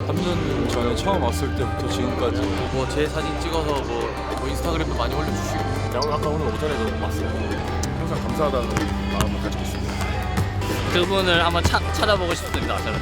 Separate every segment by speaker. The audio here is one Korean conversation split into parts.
Speaker 1: 3년 전에 처음 왔을 때부터 지금까지
Speaker 2: 뭐 제 사진 찍어서 뭐 인스타그램도 많이 올려주시고.
Speaker 3: 아까 오늘 오전에도 왔어요. 항상 감사하다는 마음을 가지고 있습니다.
Speaker 4: 그분을 한번 찾아보고 싶습니다. 저는.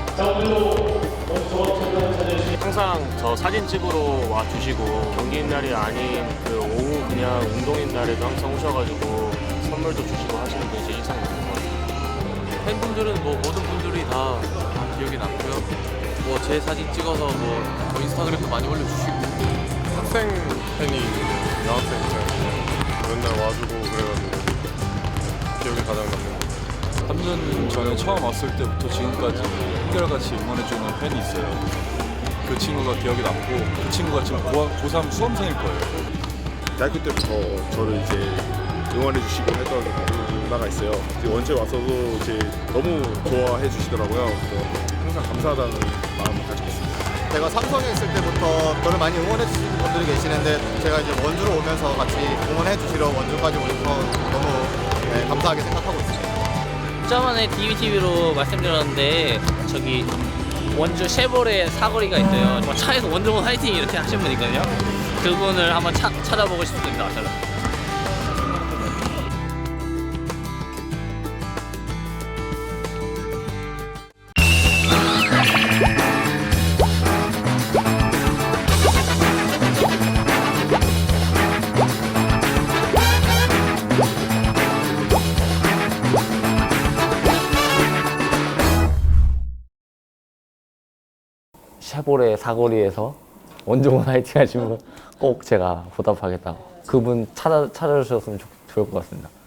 Speaker 3: 항상 저 사진 찍으러 와주시고 경기인 날이 아닌 그 오후 그냥 운동인 날에도 항상 오셔가지고 선물도 주시고 하시는 게 제 인상 깊은 것 같아요.
Speaker 2: 팬분들은 뭐 모든 분들이 다 기억에 남고요. 뭐 제 사진 찍어서 뭐 인스타그램도 많이 올려주시고.
Speaker 5: 학생 팬이 여학생 팬 맨날 와주고 그래가지고 기억에 가장 남는 것 같아요.
Speaker 1: 3년 전에 처음 왔을 때부터 지금까지 한결같이 응원해주는 팬이 있어요. 그 친구가 기억에 남고 그 친구가 지금 고3 수험생일 거예요.
Speaker 3: 대학교 때부터 저를 이제 응원해 주시고 했던 누나가 있어요. 이제 원체 와서도 이제 너무 좋아해 주시더라고요. 그래서 항상 감사하다는 마음을 가지고 있습니다.
Speaker 6: 제가 삼성에 있을 때부터 저를 많이 응원해 주시는 분들이 계시는데 제가 이제 원주로 오면서 같이 응원해 주시러 원주까지 오셔서 너무 감사하게 생각하고 있습니다.
Speaker 4: 저번에 DBTV로 말씀드렸는데 저기 원주 쉐보레 사거리가 있어요. 뭐 차에서 원주문 화이팅 이렇게 하신 분 있거든요. 그분을 한번 찾아보고 싶습니다. 저는. 쉐보레 사거리에서 원종원 화이팅 하시면 꼭 제가 보답하겠다고 그분 찾아주셨으면 좋을 것 같습니다.